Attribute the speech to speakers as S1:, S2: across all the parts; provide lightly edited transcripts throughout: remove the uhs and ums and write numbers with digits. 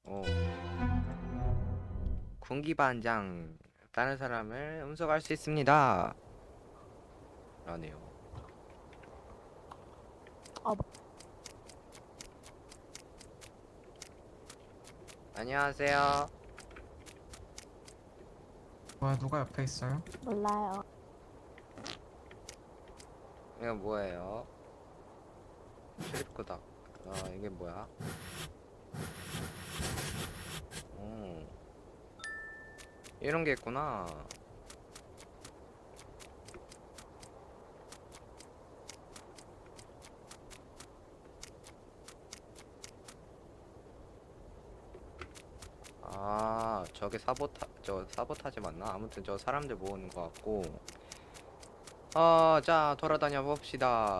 S1: 어. 군기반장 다른 사람을 음속할 수 있습니다. 라네요.
S2: 어.
S1: 안녕하세요.
S3: 뭐야, 누가 옆에 있어요?
S2: 몰라요.
S1: 이거 뭐예요? 출입구다. 이게 뭐야? 이런 게 있구나. 저게 사보타지 맞나? 아무튼 저 사람들 모으는 것 같고. 자, 돌아다녀 봅시다.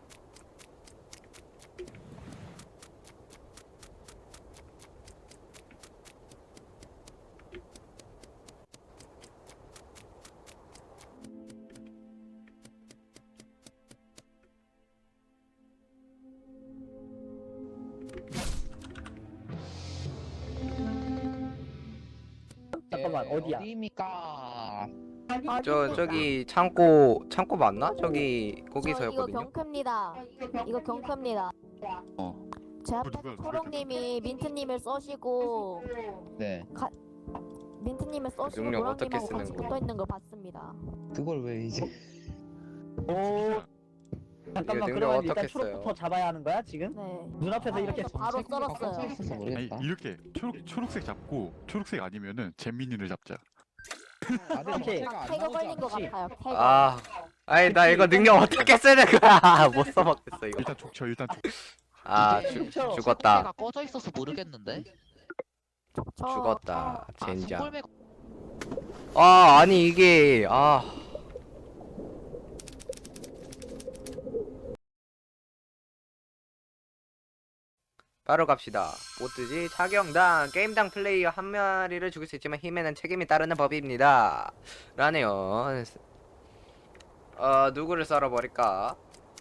S4: 잠깐만, 어디야?
S5: 어디입니까?
S1: 저기 창고 맞나? 저기
S2: 이거
S1: 거기서였거든요.
S2: 경크입니다. 이거 경크입니다.
S5: 어.
S2: 제 앞에 초롱님이 민트님을 써시고
S5: 네.
S2: 민트님을 써시고
S1: 능력 어떻게
S2: 노랑님하고 같이
S1: 쓰는 거?
S2: 붙어 있는 걸 봤습니다.
S5: 그걸 왜 이제?
S4: 오. 잠깐만,
S1: 능력
S4: 그러면 일단
S1: 어떻게
S4: 초록부터
S1: 써요?
S4: 잡아야 하는 거야 지금?
S2: 네.
S4: 눈앞에서 이렇게
S2: 바로
S5: 꽂혀
S2: 썰었어요.
S5: 있어서
S6: 아니
S5: 모르겠다.
S6: 이렇게 초록색 잡고 초록색 아니면은 잼민이를 잡자.
S4: 오케이.
S2: 태그 걸린 것 같아요. 태그.
S1: 아니 나 이거 능력 어떻게 쓰는 거야? 못 써먹겠어 이거.
S6: 일단 족쳐 일단 족.
S1: 죽었다.
S5: 가 꺼져 있어서 모르겠는데.
S1: 죽었다. 젠장.
S5: 손골매
S1: 아니 이게 바로 갑시다. 뭐 뜨지? 차경당 게임당 플레이어 한 마리를 죽일 수 있지만 힘에는 책임이 따르는 법입니다. 라네요. 누구를 썰어버릴까?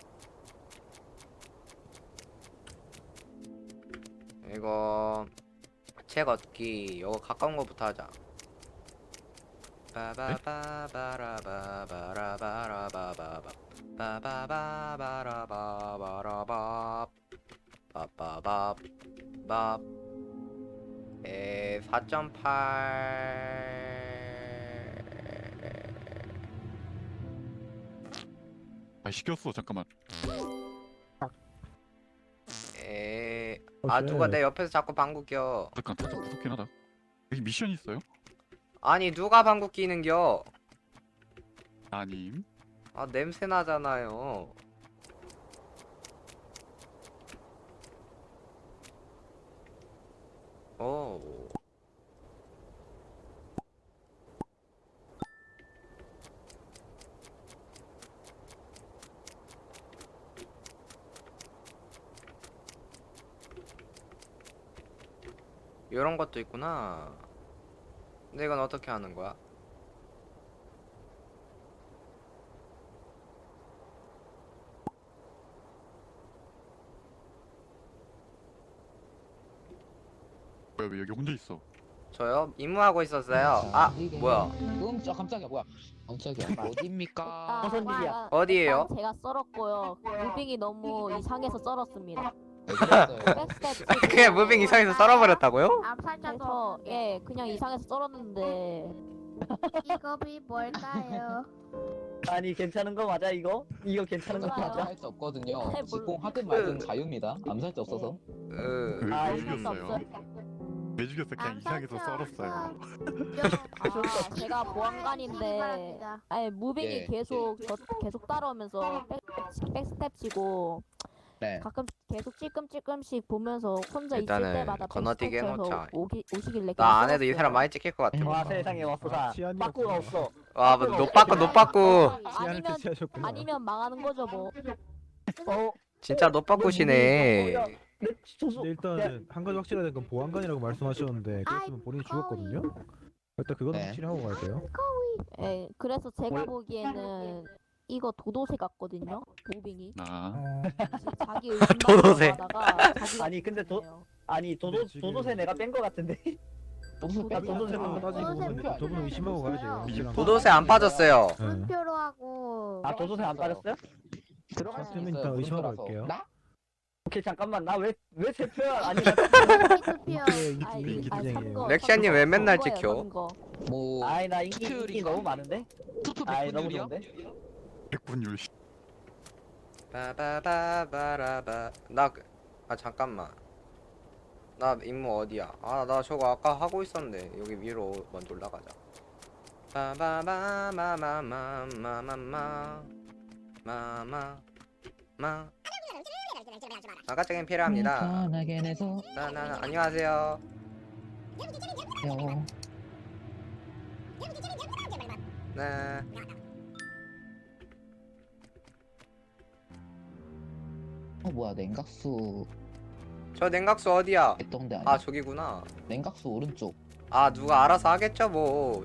S1: 이거 책 얻기 이거 가까운 거부터 하자. 바바바바라바바라바바라바바 바바바바라바바라바 빠빠밥 4.8
S6: 아 시켰어 잠깐만.
S1: 누가 내 옆에서 자꾸 방구 껴.
S6: 잠깐 살짝 무섭긴 하다. 여기 미션 있어요?
S1: 아니 누가 방구 끼는겨?
S6: 아님.
S1: 냄새 나잖아요. 이런 것도 있구나. 근데 이건 어떻게 하는 거야?
S6: 뭐야 왜 여기 혼자 있어?
S1: 저요? 임무하고 있었어요. 뭐야?
S5: 깜짝이야 뭐야? 깜짝이야. 어디입니까?
S4: 무슨 일이야?
S1: 어디에요?
S2: 일단 제가 썰었고요. 무빙이 너무 이상해서 썰었습니다.
S5: 어디였어요?
S2: 백스텝
S1: 그냥 무빙 이상해서 썰어버렸다고요?
S2: 그래서 그냥 이상해서 썰었는데
S7: 직업이 뭘까요?
S4: 아니, 괜찮은 거 맞아 이거? 이거 괜찮은 거 맞아?
S5: 암살자 없거든요.
S2: 네,
S5: 직공 하든 말든 자유입니다. 암살자 없어서.
S6: 왜
S4: 아,
S6: 죽였어요? 왜 죽였어? 그냥 이상해서 썰었어요.
S2: 제가 보안관인데 무빙이
S5: 예.
S2: 계속 따라오면서 백스텝 치고
S5: 네.
S2: 가끔 계속 찔끔찔끔씩 보면서 혼자 있을
S1: 일단은
S2: 때마다
S1: 건너뛰기
S2: 백스텝
S1: 해놓자.
S2: 쳐서 오시길래
S1: 나 안 해도 이
S2: 썰었어요.
S1: 사람 많이 찍힐 것 같아.
S4: 와, 세상에 왔어. 빠꾸가 없어.
S1: 뭐 노빠꾸.
S2: 아니면 망하는 거죠 뭐.
S1: 진짜 노빠꾸시네.
S4: 근데
S8: 일단은 한 가지 확실하된 건 보안관이라고 말씀하셨는데 그랬으면 본인이 죽었거든요. 일단 그거는
S5: 네.
S8: 확실히 하고 가야 돼요.
S2: 그래서 제가 보기에는 이거 도도새 같거든요. 무빙이
S6: 아
S2: 자기
S1: 도도새.
S2: 의심받다가 자기가
S4: 아니, 근데
S2: 죽었네요.
S4: 아니 도도새 내가 뺀 거 같은데.
S5: 도도새
S4: 아, 도도새
S8: 따지고 보면
S7: 도도새
S8: 저분은 의심하고 가야 돼요. 확실한 거.
S1: 도도새 안 빠졌어요.
S8: 네.
S7: 물표로 하고
S4: 아 도도새 안 빠졌어요?
S5: 들어갈 수
S8: 좀
S5: 있어요.
S8: 이따 의심하러
S5: 물표라서.
S8: 갈게요.
S5: 나?
S4: 오케이 잠깐만 나 왜 대표야? 아니 나
S7: 투표
S8: 인기 투쟁이에요.
S1: 렉시아님 왜 맨날
S2: 선거예요,
S1: 찍혀?
S2: 선거.
S5: 뭐
S4: 아이 나 인기 너무 많은데.
S5: 투표
S4: 아이 너무
S5: 백분율이야?
S4: 좋은데.
S6: 백분율.
S1: 바바바바라바. 잠깐만. 나 임무 어디야? 아, 나 저거 아까 하고 있었는데 여기 위로 먼저 올라가자. 마마마마마마마마. 아까적인 필요합니다.
S5: 편하게 내서
S1: 나나 안녕하세요. 네.
S5: 뭐야 냉각수
S1: 저 냉각수 어디야?
S5: 했던데 아니야?
S1: 아, 저기구나.
S5: 냉각수 오른쪽.
S1: 아, 누가 알아서 하겠죠 뭐.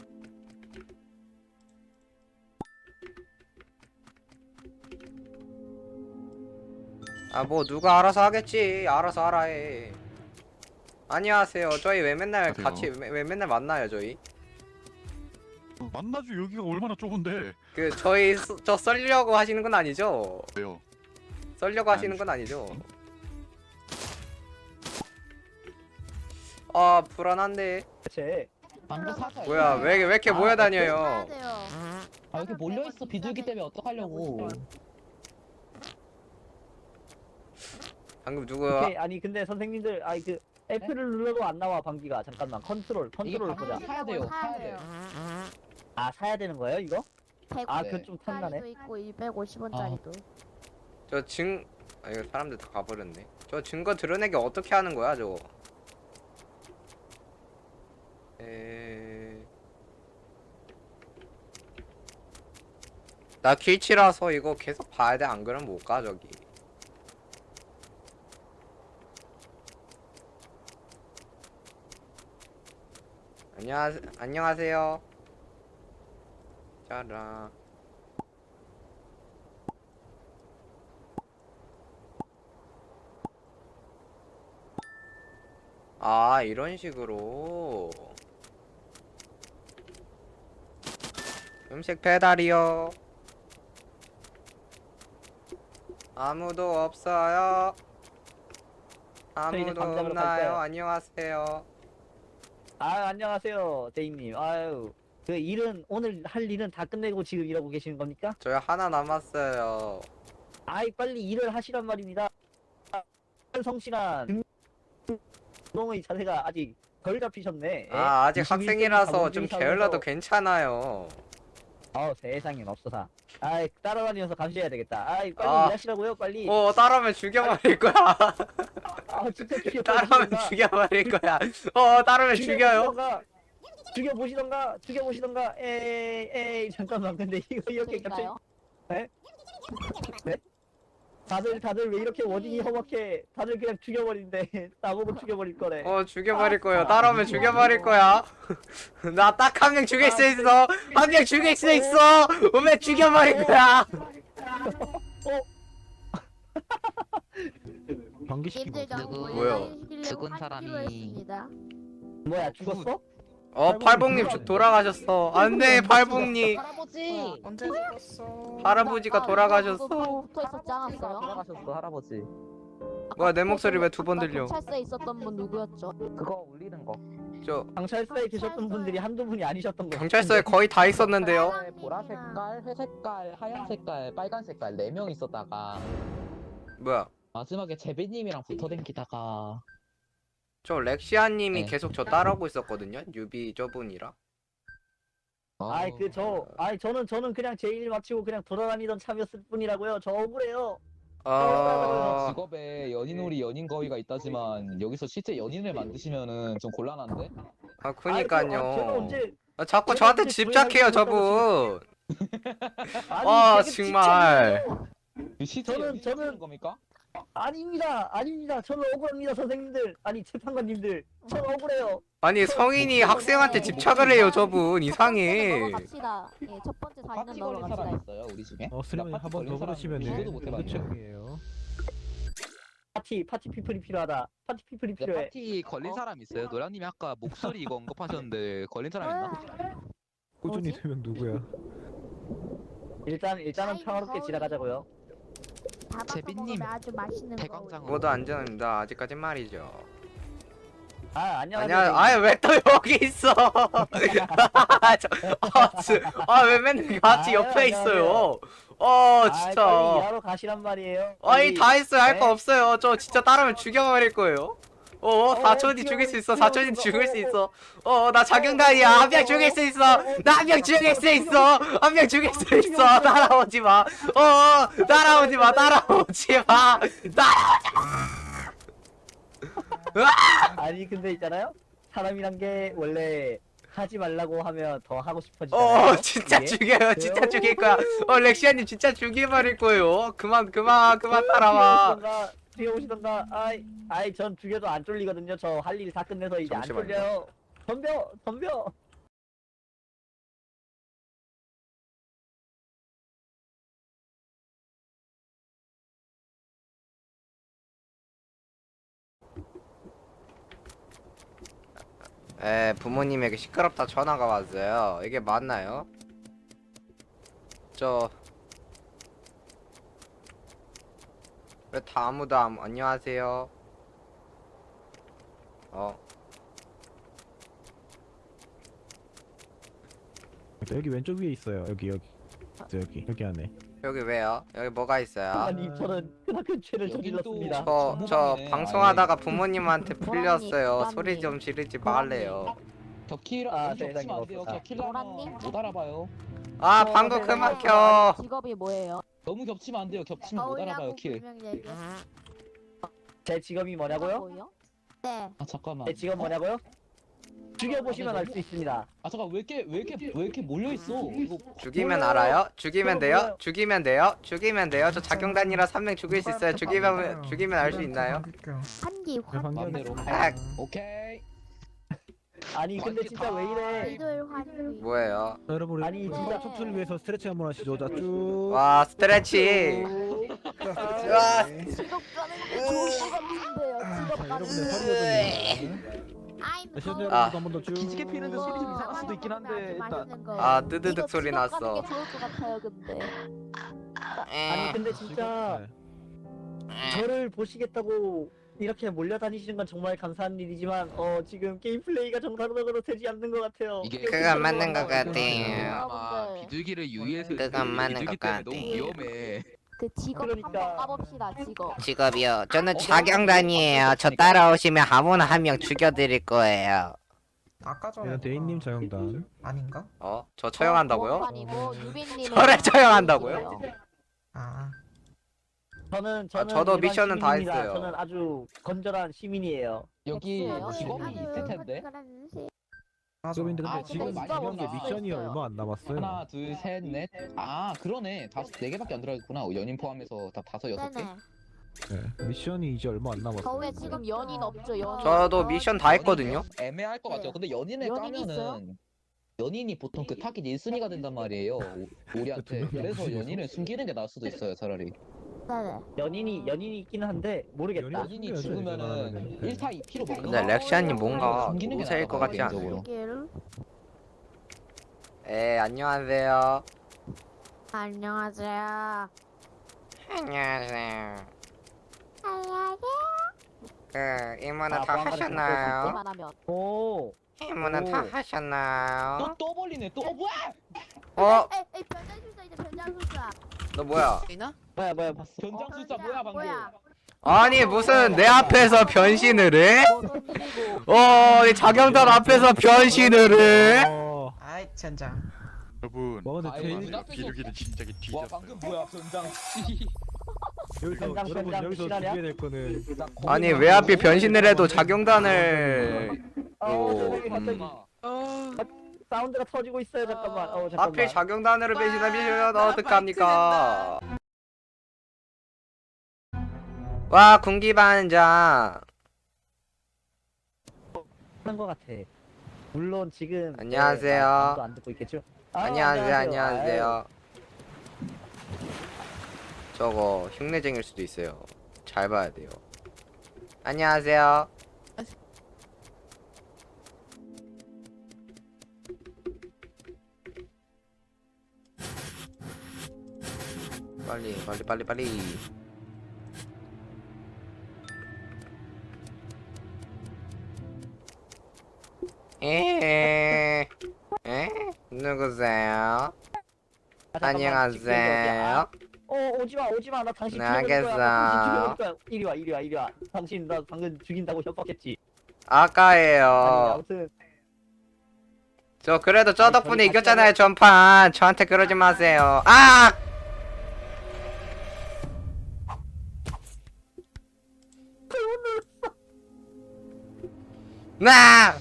S1: 아, 뭐 누가 알아서 하겠지. 알아서 하라 해. 안녕하세요. 저희 왜 맨날
S6: 안녕하세요.
S1: 같이 왜 맨날 만나요, 저희?
S6: 만나죠. 여기가 얼마나 좁은데.
S1: 그 저 썰려고 하시는 건 아니죠?
S6: 왜요?
S1: 썰려고 하시는 건 아니죠? 아, 불안한데.
S4: 쟤
S5: 방금 사서.
S1: 뭐야? 왜 이렇게 모여
S7: 해야
S1: 다녀요?
S7: 돼요.
S5: 아 여기 몰려 있어 비둘기 때문에 어떡하려고.
S1: 방금 누구?
S4: 오케이 아니 근데 선생님들 아니 그 F를 눌러도 안 나와 방귀가. 잠깐만 컨트롤
S5: 이게
S4: 보자.
S5: 방금 사야 돼요. 사야 돼.
S4: 아 사야 되는 거예요 이거? 아
S7: 150원짜리도
S4: 그건 좀 탐나네.
S7: 있고 250원짜리도.
S1: 아, 이거 사람들 다 가버렸네. 저 증거 드러내기 어떻게 하는 거야, 저거? 나 길치라서 이거 계속 봐야 돼. 안 그러면 못 가, 저기. 안녕하세요. 짜라. 아, 이런 식으로. 음식 배달이요. 아무도 없어요. 아무도
S4: 감자로
S1: 없나요?
S4: 갈까요?
S1: 안녕하세요.
S4: 아 안녕하세요 대인님. 아유 그 일은 오늘 할 일은 다 끝내고 지금 일하고 계시는 겁니까?
S1: 저희 하나 남았어요.
S4: 아이 빨리 일을 하시란 말입니다. 성실한 노동의 자세가 아직 덜 잡히셨네.
S1: 아, 아직
S4: 21세기
S1: 학생이라서 좀
S4: 자본주의
S1: 게을러도
S4: 사회에서-
S1: 괜찮아요.
S4: 세상에 없어사. 아이 따라다니면서 감시해야 되겠다. 아이 빨리
S1: 아.
S4: 일하시라고요 빨리.
S1: 따라오면 죽여버릴 거야.
S4: 아 진짜
S1: 따라오면 죽여버릴 거야. 따라오면 죽여요.
S4: 죽여보시던가. 에이 잠깐만 근데 이거 이렇게 갑자기
S2: 제가요?
S4: 다들 왜 이렇게 워딩이 험악해? 다들 그냥 죽여버린대. 나보고 죽여버릴 거래.
S1: 죽여버릴 거예요. 따라오면 죽여버릴 거야. 나 딱 한 명 죽일 수 있어. 한 명 죽일 수 있어. 오면 죽여버릴 거야.
S8: 방귀시키고
S7: 님들
S8: 왔어요.
S7: 너무
S1: 뭐야?
S7: 몰라주시려고
S5: 죽은
S7: 하기로
S5: 사람이-
S7: 했습니다.
S4: 뭐야 죽었어?
S1: 팔봉님 돌아가셨어. 안돼, 팔봉님.
S5: 할아버지.
S3: 언제 죽었어?
S1: 할아버지가 돌아가셨어.
S2: 붙어 있었지 않았어요?
S5: 돌아가셨어 할아버지.
S1: 뭐야, 내 목소리 왜 두 번 들려?
S2: 경찰서에 있었던 분 누구였죠?
S5: 그거 울리는 거.
S1: 저
S4: 경찰서에 계셨던 분들이 한두 분이 아니셨던 거.
S1: 경찰서에 거의 다 있었는데요.
S5: 보라 색깔, 회 색깔, 하얀 색깔, 빨간 색깔 4명 있었다가
S1: 뭐야?
S5: 마지막에 제비님이랑 붙어댕기다가
S1: 저 렉시아님이
S5: 네.
S1: 계속 저 따라오고 있었거든요. 뉴비 저분이라.
S4: 저는 그냥 제 일 마치고 그냥 돌아다니던 참이었을 뿐이라고요. 저 억울해요.
S5: 직업에 연인놀이 연인 거위가 있다지만 여기서 실제 연인을 만드시면은 좀 곤란한데?
S4: 제가
S1: 그니까요.
S4: 언제
S1: 자꾸
S4: 제가
S1: 저한테
S4: 언제
S1: 집착해요,
S4: 구애하는
S1: 저분.
S4: 되게
S1: 정말.
S5: 실제
S4: 저는-
S5: 연인 만드는 겁니까?
S4: 아닙니다. 저는 억울합니다, 선생님들. 아니 재판관님들. 저는 억울해요.
S1: 아니, 성인이 학생한테 집착을 해요, 저분. 이상해.
S2: 넘어갑시다. 예, 첫 번째 사진은
S5: 파티 걸린 사람
S2: 넘어갑시다.
S5: 있어요 우리 중에?
S8: 스님님
S5: 나 파티
S8: 한번
S5: 걸린
S8: 더
S5: 사람
S8: 그러시면
S5: 이해도 못 해봤네.
S8: 책이에요.
S4: 파티 피플이 필요하다. 파티 피플이
S5: 네,
S4: 필요해.
S5: 파티 걸린 사람 있어요? 노량님이 아까 목소리 이거 언급하셨는데 걸린 사람 있나?
S8: 꾸준히
S2: 뭐지?
S8: 3명 누구야?
S4: 일단은
S7: 아이고,
S4: 평화롭게
S7: 거울이.
S4: 지나가자고요.
S7: 잡아서
S5: 제비님,
S7: 먹으면 아주 맛있는 거.
S5: 대광장으로.
S1: 모두 안전합니다. 아직까지 말이죠.
S4: 안녕하세요.
S1: 아니야, 아예 왜 또 여기 있어? 왜 맨날 같이
S4: 아유,
S1: 옆에
S4: 안녕하세요.
S1: 있어요?
S4: 빨리
S1: 진짜.
S4: 일하러 가시란 말이에요.
S1: 아니, 다 했어요. 할 거
S4: 네?
S1: 없어요. 저 진짜 따르면 죽여버릴 거예요. 사촌이 죽일 수 있어. 사촌이 죽일 수 있어. 나 자경단이야. 한 명 죽일 수 있어. 나 한 명 죽일 수 있어. 한 명 죽일 수 있어. 따라오지 마. 따라오지 마. 따라오지 마.
S4: 아니 근데 있잖아요. 사람이란 게 원래 하지 말라고 하면 더 하고 싶어지잖아요.
S1: 진짜
S4: 이게?
S1: 죽여요. 진짜 죽일 거야. 렉시아님 진짜 죽여버릴 거예요. 그만 따라와.
S4: 뛰어오시던가. 아이 전 죽여도 안 쫄리거든요. 저 할 일 다 끝내서 이제 안
S1: 잠시만요.
S4: 쫄려요. 덤벼.
S1: 부모님에게 시끄럽다 전화가 왔어요. 이게 맞나요? 왜 다 아무도 안녕하세요.
S8: 여기 왼쪽 위에 있어요. 여기 안에.
S1: 여기 왜요? 여기 뭐가 있어요?
S4: 아니 저는 그만큼 죄를
S5: 여긴 또
S4: 저질렀습니다.
S1: 저
S5: 부모님이네.
S1: 방송하다가
S5: 아니,
S1: 부모님한테 풀렸어요.
S2: 노랑님.
S1: 소리 좀 지르지 말래요.
S5: 겹치면
S4: 세상에
S5: 안 돼요.
S4: 없다.
S5: 겹치려면
S2: 노랑님?
S5: 못 알아봐요.
S1: 방구 그만 켜.
S2: 직업이 뭐예요?
S5: 너무 겹치면 안 돼요. 겹치면 못 알아봐요. 킬.
S4: 제 직업이 뭐냐고요?
S2: 뭐요?
S7: 네.
S5: 아 잠깐만.
S4: 제 직업 뭐냐고요? 죽여보시면 알 수 있습니다.
S5: 아 잠깐 왜 이렇게 몰려 있어? 이거
S1: 죽이면
S4: 뭐야?
S1: 알아요? 죽이면 돼요?
S4: 뭐야?
S1: 죽이면 돼요? 저 작경단이라 3명 죽일 수 있어요. 죽이면 알 수 있나요?
S7: 한기 환.
S5: 맘대로.
S1: 아,
S5: 오케이.
S4: 아니 근데 진짜 왜 이래?
S7: 이들 환기.
S1: 뭐예요?
S8: 자, 여러분
S4: 아니,
S8: 우리
S4: 진짜.
S8: 척추를 위해서 스트레치 한번 하시죠. 자 쭉.
S1: 와 스트레치. 와.
S2: 직업 가는 게 좋을 것 같은데요. 직업
S8: 자,
S2: 가는
S8: 여러분들
S2: 게.
S8: 허리거든요.
S7: I'm
S8: 시청자
S7: cold.
S8: 여러분도 한번 더 쭉.
S9: 기지개 피는데 소리 좀 이상할 수도 있긴 한데 일단
S1: 뜨드득
S2: 이거
S1: 소리
S2: 직업
S1: 났어.
S2: 가는 게 좋을 것 같아요. 근데.
S4: 아니 근데 진짜 저를 보시겠다고 이렇게 몰려다니시는 건 정말 감사한 일이지만 지금 게임 플레이가 정상적으로 되지 않는 것 같아요.
S10: 이게
S1: 그건 맞는 것 같아요.
S10: 아마
S2: 여러분들.
S10: 비둘기를 유의해서
S1: 그건 맞는
S10: 비둘기
S1: 것
S10: 때문에 너무
S1: 같아요.
S10: 위험해.
S2: 그 직업
S4: 그러니까.
S2: 한번 까봅시다. 직업.
S1: 직업이요. 저는 자경단이에요. 저 따라오시면 아무나 한 명 죽여드릴 거예요.
S3: 아까 전에
S8: 이건 대인님 자영단.
S3: 아닌가?
S1: 저 처형한다고요?
S2: 보안관이고 유빈님은
S1: 저를 처형한다고요?
S2: 직업이에요.
S3: 아
S4: 저는
S1: 저도
S4: 일반
S1: 미션은 다
S4: 시민입니다.
S1: 했어요.
S4: 저는 아주 건전한 시민이에요.
S5: 여기
S2: 없어요.
S5: 직업이 있을 텐데.
S3: 맞아.
S8: 직업인데 근데
S5: 아,
S8: 지금
S5: 근데
S8: 이런 게
S5: 진짜
S8: 미션이
S2: 없어요.
S8: 얼마 안 남았어요.
S5: 하나, 둘, 셋, 넷. 아 그러네. 네 개밖에 안 들어있구나. 연인 포함해서 다 다섯 여섯 개.
S7: 네네.
S8: 네, 미션이 이제 얼마 안 남았어요.
S7: 거울에
S2: 지금
S7: 지금
S2: 연인 없죠. 연인.
S1: 저도 미션 다 했거든요.
S5: 애매할 것 같아요. 근데 연인을
S2: 연인 있어요?
S5: 까면은 연인이 보통 그 타깃 1순위가 된단 말이에요. 우리한테.
S8: 두 명이
S5: 그래서
S8: 무슨
S5: 연인을 숨기는 게 나을 수도 있어요. 차라리.
S7: 네네.
S4: 연인이 있기는 한데 모르겠다.
S8: 연인이
S5: 연인이
S8: 숨겨야죠,
S5: 죽으면은
S8: 이제.
S5: 1타 2피로 먹는
S1: 근데 렉시아님 뭔가
S5: 숨기는 게
S1: 모세일
S5: 나을
S1: 것 같지 않아요?
S5: 개인적으로.
S7: 길.
S1: 안녕하세요.
S7: 안녕하세요.
S1: 안녕하세요.
S7: 안녕하세요.
S1: 이모는 다
S4: 보안관이
S1: 하셨나요?
S2: 그만 하면.
S4: 오.
S1: 이모는 다
S4: 오.
S1: 하셨나요?
S5: 또 벌리네. 또 뭐야?
S7: 에이 변장술사 이제 변장술사.
S1: 너 뭐야?
S4: 뭐야.
S5: 변장술사 뭐야 방금?
S1: 아니 무슨 내 앞에서 변신을 해?
S2: 뭐 던지고.
S1: 이 자경단 앞에서 변신을 해?
S3: 아이 젠장.
S6: 여러분
S8: 뭐 근데
S5: 아이고,
S8: 제일
S5: 눈 앞에서-
S6: 비둘기는 진작에
S5: 와
S6: 뒤졌어요.
S5: 방금 뭐야 변장 씨.
S8: 여기서
S4: 변장,
S8: 여러분
S4: 변장
S8: 여기서
S4: 실화냐?
S8: 준비될 거는
S1: 아니 왜 하필 변신을 해도 자경단을
S4: 저기 갑자기 사운드가 터지고 있어요. 잠깐만. 잠깐만.
S1: 하필 자경단으로 변신하면 어떡합니까? 와 군기반장.
S4: 하는 것 같아. 물론 지금
S1: 안녕하세요.
S4: 아무도 안 듣고 있겠죠?
S1: 안녕하세요. 저거 흉내쟁일 수도 있어요. 잘 봐야 돼요. 안녕하세요. 빨리 빨리 빨리 빨리. 누구세요? 안녕하세요.
S4: 오지마 나 당신
S1: 네,
S4: 죽여버릴 거야.
S1: 알겠어.
S4: 당신 죽여버릴 거야. 이리 와 당신 나 방금 죽인다고 협박했지. 아니
S1: 아까예요.
S4: 아무튼
S1: 저 그래도 저
S4: 아니,
S1: 덕분에
S4: 저리
S1: 이겼잖아요 전판. 저한테 그러지 마세요. 아! 나!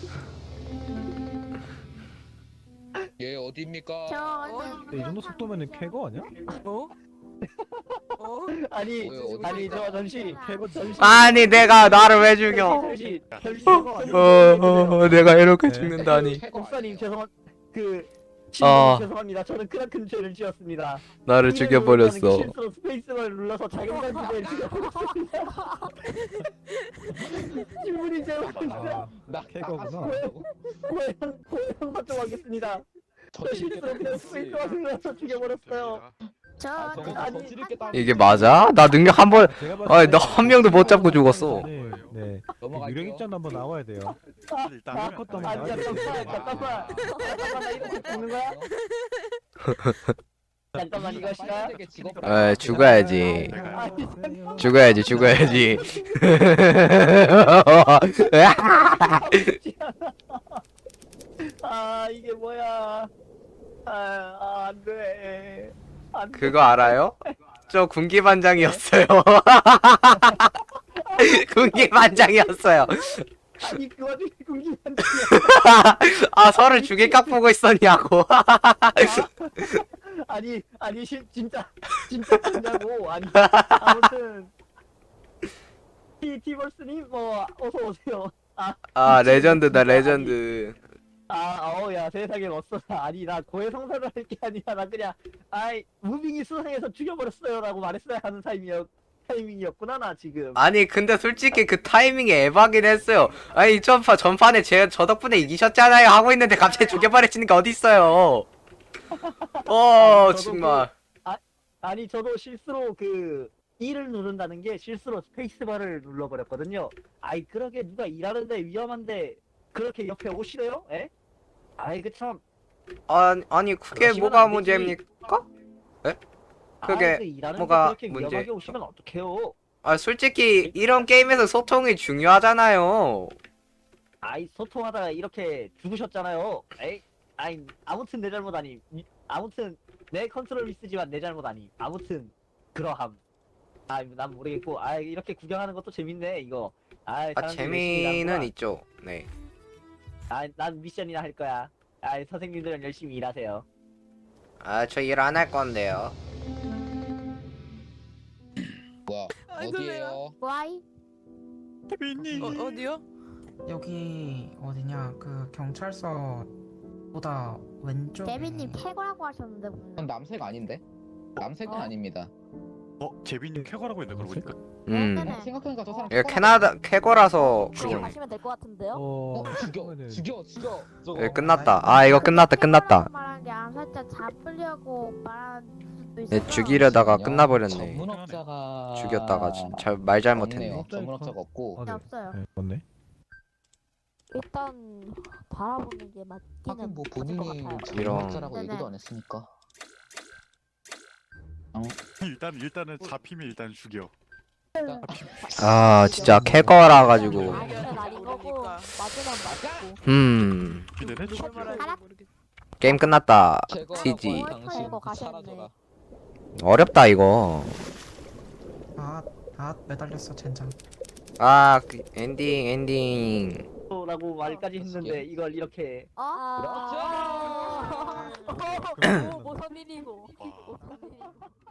S5: 얘 어디입니까?
S8: 근데 이 정도 속도면은 쾌거 아니야?
S4: 아니
S5: 어디
S4: 저 잠시 잠시
S1: 아니 내가 나를 왜 죽여?
S4: 잠시
S1: 내가 이렇게
S8: 네.
S1: 죽는다니.
S4: 목사님 죄송한 그
S1: 어.
S4: 신부님 죄송합니다. 저는 크나큰 죄를 지었습니다.
S1: 나를
S4: V를
S1: 죽여버렸어.
S4: 누르는 게 실수로 스페이스바를 눌러서 자경단 주제를 죽여버렸습니다. 신부님 죄송합니다.
S8: 아,
S5: 나
S8: 캐거구나.
S4: 고해상 사정하겠습니다. 저 실수로 그냥 스페이스바 눌러서 죽여버렸어요.
S1: 이게 맞아? 나 능력 한 번.
S8: 제가 봤을
S1: 아니
S8: 때
S1: 나 한 명도 못 잡고 죽었어.
S8: 네, 네.
S5: 넘어갈게요.
S8: 유령 입장 한번 나와야 돼요.
S6: 일단
S4: 아,
S8: 컷도
S4: 아니
S8: 한번 나와야 돼요.
S4: 잠깐만 나 이거 죽는 거야? 잠깐만 이거 싫어요?
S1: 에 죽어야지.
S6: 내가
S1: 죽어야지 죽어야지.
S4: 아 이게 뭐야? 안돼.
S1: 그거 알아요? 저 군기 반장이었어요. 군기 반장이었어요.
S4: 아니 그 와중에 궁금한
S1: 아 서를 죽일 깍 보고 있었냐고.
S4: 아니 진짜 진짜고 아니 아무튼 티벌스님 뭐 어서 오세요.
S1: 아 레전드다 레전드.
S4: 어야 세상에 멋있었다. 아니 나 고해성사를 할 게 아니라 나 그냥 무빙이 수상해서 죽여버렸어요라고 말했어야 하는 타이밍이었구나 나 지금.
S1: 아니 근데 솔직히 그 타이밍이 에바긴 했어요. 아니 전판에 저 덕분에 이기셨잖아요 하고 있는데 갑자기 죽여버리시는 게 어딨어요.
S4: 저도
S1: 정말.
S4: 아니 저도 실수로 그 E를 누른다는 게 실수로 스페이스바를 눌러버렸거든요. 그러게 누가 일하는데 위험한데 그렇게 옆에 오시래요? 에? 그참
S1: 아니 그게
S4: 그러시면
S1: 뭐가
S4: 안 되지.
S1: 문제입니까? 그게
S4: 일하는데
S1: 뭐가
S4: 그렇게
S1: 문제?
S4: 위험하게 오시면 어떡해요?
S1: 아 솔직히 이런 게임에서 소통이 중요하잖아요.
S4: 소통하다가 이렇게 죽으셨잖아요. 아무튼 내 잘못 아님. 아무튼 내 컨트롤 미스지만 내 잘못 아님. 아무튼 그러함. 난 모르겠고. 이렇게 구경하는 것도 재밌네 이거. 사람들이 열심히
S1: 재미는
S4: 일하는구나.
S1: 있죠. 네.
S4: 난 미션이나 할 거야. 선생님들은 열심히 일하세요.
S1: 저 일 안 할 건데요.
S5: 뭐야? 어디에요?
S7: 와이?
S6: 케빈님.
S3: 어디요? 여기 어디냐? 그 경찰서보다 왼쪽에.
S7: 데비님 캐거라고 하셨는데
S5: 전
S7: 분명.
S5: 남색 아닌데? 남색은 아닙니다.
S6: 제비님 쾌거라고 했네 그러고 보니까.
S5: 생각해보니까 저 사람
S1: 이거 캐나다 캐거라서
S2: 지금
S1: 그냥
S2: 가시면 될 것 같은데요?
S5: 죽여 저거.
S1: 끝났다. 이거 끝났다.
S7: 말한 게 안 살짝 잡으려고 말한 수도 있어.
S1: 네, 죽이려다가 끝나버렸네.
S5: 전문업자가
S1: 죽였다가 말 잘못했네.
S5: 없네요. 전문업자가 없고
S7: 네, 없어요.
S8: 네, 맞네.
S2: 일단 바라보는 게 맞기는
S5: 하긴 뭐
S2: 맞을 것
S5: 본인이
S2: 같아요.
S5: 전문업자라고
S7: 네네.
S5: 얘기도 안 했으니까.
S6: 일단은 잡히면 일단 죽여.
S1: 진짜 캐거라 가지고.
S2: 아니면 아닌 거고 맞으면 맞고.
S6: 기대네 죽여.
S1: 게임 끝났다.
S5: 제거하고
S1: TG.
S5: 당신
S2: 이거 가셨네.
S5: 사라져라.
S1: 어렵다 이거.
S3: 매달렸어 젠장.
S1: 엔딩.
S4: 라고 말까지 했는데 이걸 이렇게
S2: 오, 무슨 일이고. 무슨 일이고.